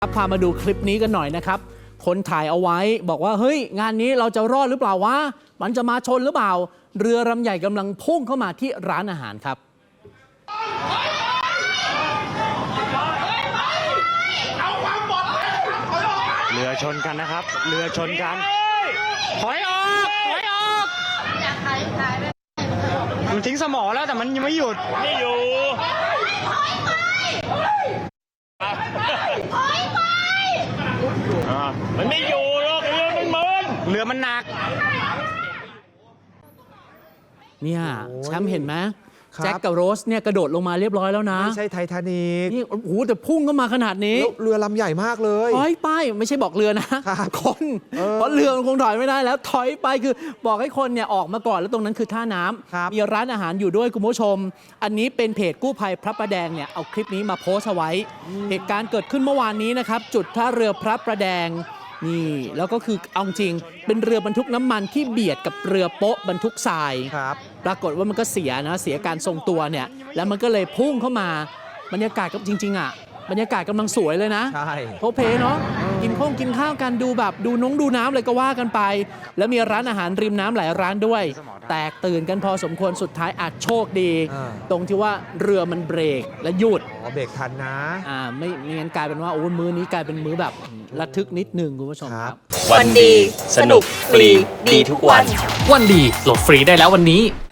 พามาดูคลิปนี้กันหน่อยนะครับคนถ่ายเอาไว้บอกว่าเฮ้ยงานนี้เราจะรอดหรือเปล่าวะมันจะมาชนหรือเปล่าเรือลำใหญ่กำลังพุ่งเข้ามาที่ร้านอาหารครับเรือชนกันนะครับเรือชนกันถอยออกมันทิ้งสมอแล้วแต่มันยังไม่หยุดไม่อยู่มันไม่อยู่หรอกเรือมันมึนเรือมันหนักเนี่ยแชมป์เห็นไหมแจ็คกับโรสเนี่ยกระโดดลงมาเรียบร้อยแล้วนะไม่ใช่ไททานิกนี่โอ้โหแต่พุ่งเข้ามาขนาดนี้เรือลำใหญ่มากเลยถอยไปไม่ใช่บอกเรือนะคนเพราะเรือมันคงถอยไม่ได้แล้วถอยไปคือบอกให้คนเนี่ยออกมาก่อนแล้วตรงนั้นคือท่าน้ำมีร้านอาหารอยู่ด้วยคุณผู้ชมอันนี้เป็นเพจกู้ภัยพระประแดงเนี่ยเอาคลิปนี้มาโพสต์เอาไว้เหตุการณ์เกิดขึ้นเมื่อวานนี้นะครับจุดท่าเรือพระประแดงนี่แล้วก็คือเอาจริงเป็นเรือบรรทุกน้ำมันที่เบียดกับเรือโป๊ะบรรทุกทรายปรากฏว่ามันก็เสียการทรงตัวเนี่ยแล้วมันก็เลยพุ่งเข้ามาบรรยากาศก็จริงๆอ่ะบรรยากาศกำลังสวยเลยนะโพเพเนาะกินข้าวกันดูแบบดูน้ำเลยก็ว่ากันไปแล้วมีร้านอาหารริมน้ำหลายร้านด้วยแตกตื่นกันพอสมควรสุดท้ายอาจโชคดีตรงที่ว่าเรือมันเบรกและหยุดเบรกทันนะไม่งั้นกลายเป็นว่าโอ้มื้อนี้กลายเป็นมื้อแบบระทึกนิดนึงคุณผู้ชมครับวันดีสนุกฟรีดีทุกวันวันดีโหลดฟรีได้แล้ววันนี้